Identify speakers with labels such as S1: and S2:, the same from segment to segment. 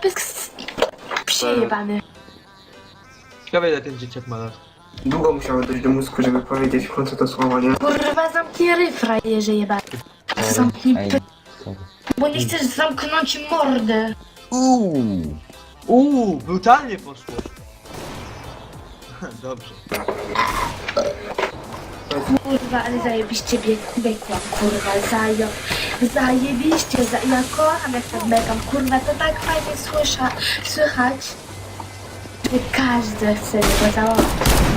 S1: pysk. Przejebany.
S2: Ciekawe ile ten dzieciak ma lat.
S3: Długo musiało dojść do mózgu, żeby powiedzieć w końcu to słowo, nie?
S1: Kurwa, zamknij ryj, frajerze jebany. Zamknij
S4: Ej,
S1: py...
S4: sorry.
S1: Bo nie chcesz zamknąć mordę.
S2: Brutalnie poszło. Dobrze.
S1: Kurwa, ale zajebiście biegłam, kurwa, zajebiście, ja kocham jak tak biegam, kurwa, to tak fajnie słychać, że każdy chce go założyć.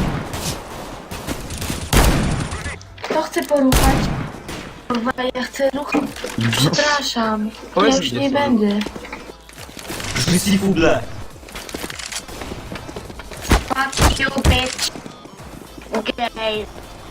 S1: Kto chce poruchać? Kurwa, ja chcę ruchać, przepraszam, ja
S2: Powiedz
S1: już
S2: mi,
S1: nie
S2: gdzie są.
S1: będę.
S2: Zrzuci fuble.
S1: Fuck you, bitch. Okay.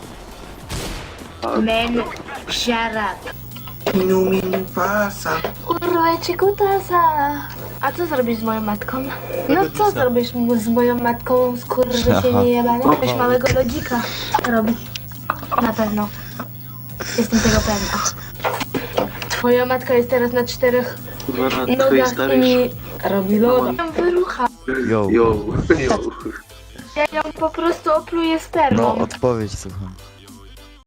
S1: Man, shut up.
S3: Minu pasa.
S1: Kurwa, cię kutasa. A co zrobisz z moją matką? No co zrobisz z moją matką, skurwysynie jebane? Weź małego lodzika robi. Na pewno. Jestem tego pewna. Twoja matka jest teraz na 4
S3: Kurwa, na twojej
S1: nogach i
S3: starej...
S1: mi robi loda. Wyrucha.
S3: Yo.
S1: Ja ją po prostu opluję spermą.
S4: No, odpowiedź słucham.